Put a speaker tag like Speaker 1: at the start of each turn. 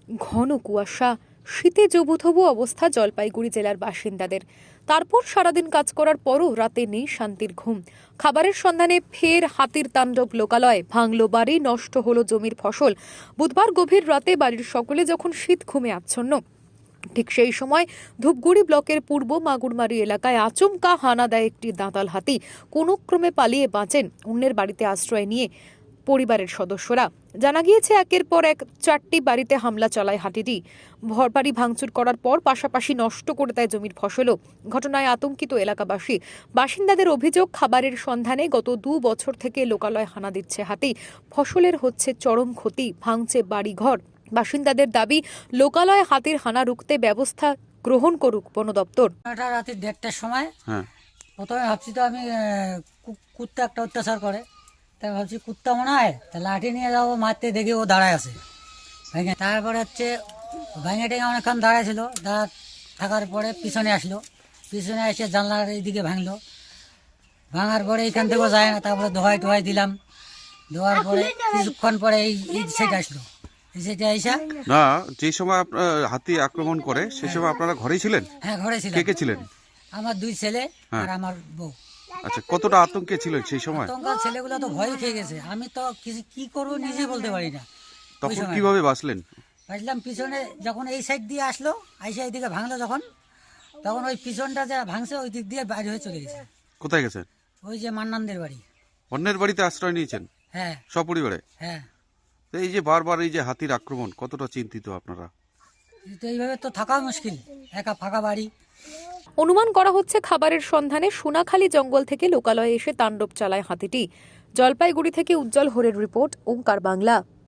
Speaker 1: ঘন কুয়াশা, শীতে জবুথবু অবস্থা জলপাইগুড়ি জেলার বাসিন্দাদের। তারপর সারাদিন কাজ করার পরও রাতে নেই শান্তির ঘুম। খাবারের সন্ধানে ফের হাতির তাণ্ডব লোকালয়ে, ভাঙল বাড়ি, নষ্ট হলো জমির ফসল। বুধবার গভীর রাতে বাড়ির সকলে যখন শীত ঘুমে আচ্ছন্ন, ঠিক সেই সময় ধূপগুড়ি ব্লকের পূর্ব মাগুরমারি এলাকায় আচমকা হানা দেয় একটি দাঁতাল হাতি। কোনো ক্রমে পালিয়ে বাঁচেন অন্যের বাড়িতে আশ্রয় নিয়ে পরিবারের সদস্যরা। জানা গিয়েছে, একের পর এক 4টি বাড়িতে হামলা চালায় হাতিটি। ঘরবাড়ি ভাঙচুর করার পর পাশাপাশি নষ্ট করে দেয় জমির ফসলও। ঘটনায় আতঙ্কিত এলাকাবাসী। বাসিন্দাদের অভিযোগ, খাবারের সন্ধানে গত 2 বছর থেকে লোকালয়ে হানা দিচ্ছে হাতি। ফসলের হচ্ছে চরম ক্ষতি, ভাঙছে বাড়িঘর। বাসিন্দাদের দাবি, লোকালয়ে হাতির হানা রুখতে ব্যবস্থা গ্রহণ করুক বন দপ্তর।
Speaker 2: রাতে 1:30টার সময় প্রথমে ভাবছি তো আমি কুত্তা একটা অত্যাচার করে, তাই ভাবছি কুত্তা মনে হয়, তা লাঠি নিয়ে যাবো মারতে, দেখি ও দাঁড়ায় আছে ভেঙে। তারপরে হচ্ছে ভেঙে টেঙে অনেকক্ষণ দাঁড়ায় ছিল, দাঁড়া থাকার পরে পিছনে আসলো, পিছনে এসে জানলার এইদিকে ভাঙলো। ভাঙার পরে এইখান থেকেও যায় না, তারপরে ধোয়াই দিলাম। ধোয়ার পরে কিছুক্ষণ পরে এই সেটা আসলো, এই সেটা আইসা।
Speaker 3: না, যে সময় আপনার হাতি আক্রমণ করে সে সময় আপনারা ঘরেই ছিলেন?
Speaker 2: হ্যাঁ, ঘরে ছিলাম।
Speaker 3: কে ছিলেন?
Speaker 2: আমার 2 ছেলে আর আমার বউ।
Speaker 3: আচ্ছা, কতটা আতঙ্কে ছিলেন সেই সময়?
Speaker 2: আতঙ্কের ছেলেগুলো তো ভয় খেয়ে গেছে, আমি তো কি করবো নিজে বলতে পারি না।
Speaker 3: তখন কিভাবে বাঁচলেন?
Speaker 2: বাঁচলাম, পিছনে যখন এই সাইড দিয়ে আসলো, আইসা এইদিকে ভাঙলো যখন, তখন ওই পিছনটা যা ভাঙছে ওই দিক দিয়ে বাইরে হয়ে চলে গেছে।
Speaker 3: কোথায় গেছেন?
Speaker 2: ওই যে মান্নানদের বাড়ি।
Speaker 3: অন্যের বাড়িতে আশ্রয় নিয়েছেন?
Speaker 2: হ্যাঁ,
Speaker 3: সপরিবারে?
Speaker 2: হ্যাঁ।
Speaker 3: তো এই যে বারবার এই যে হাতির আক্রমণ, কতটা চিন্তিত আপনারা?
Speaker 2: তো এইভাবে তো থাকা মুশকিল, একা ফাঁকা বাড়ি।
Speaker 1: অনুমান করা হচ্ছে, খাবারের সন্ধানে সোনাখালী জঙ্গল থেকে লোকালয়ে এসে তাণ্ডব চালায় হাতিটি। জলপাইগুড়ি থেকে উজ্জ্বল হরের রিপোর্ট, ওঙ্কার বাংলা।